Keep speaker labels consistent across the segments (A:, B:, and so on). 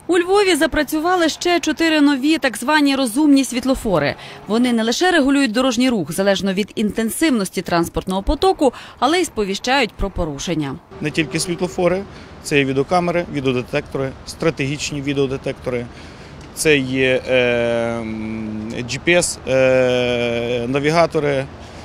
A: У Львові запрацювали ще 4 нові так звані розумні світлофори. Вони не лише регулюють дорожній рух залежно від інтенсивності транспортного потоку, але й сповіщають про порушення.
B: Не тільки світлофори, це і відеокамери, відеодетектори, стратегічні відеодетектори, це є GPS-навігатори,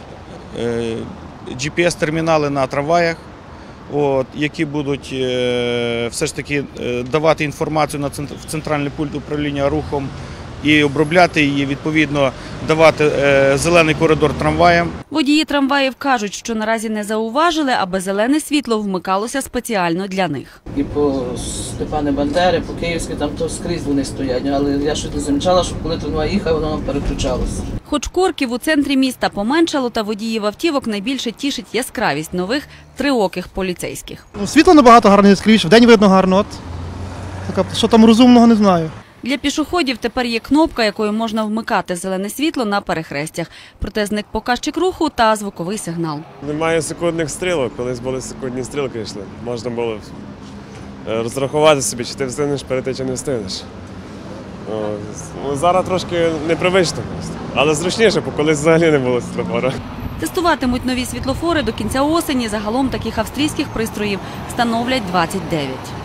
B: GPS-термінали на трамваях, які будуть все ж таки давати інформацію в центральний пульт управління рухом і обробляти її, відповідно, давати зелений коридор трамваям.
A: Водії трамваїв кажуть, що наразі не зауважили, аби зелене світло вмикалося спеціально для них.
C: І по Степана Бандери, по Київській, там то скрізь вони стоять, але я щось не замічала, що коли трамвай їхав, воно переключалося.
A: Хоч корків у центрі міста поменшало, та водіїв автівок найбільше тішить яскравість нових триоких поліцейських.
D: Світло набагато гарне, яскравіше, вдень видно гарно. Що там розумного, не знаю.
A: Для пішоходів тепер є кнопка, якою можна вмикати зелене світло на перехрестях. Проте зник показчик руху та звуковий сигнал.
E: Немає секундних стрілок. Колись були секундні стрілки йшли. Можна було розрахувати собі, чи ти встигнеш перейти, чи не встигнеш. Зараз трошки непривично, але зручніше, бо колись взагалі не було світлофора.
A: Тестуватимуть нові світлофори до кінця осені. Загалом таких австрійських пристроїв встановлять 29.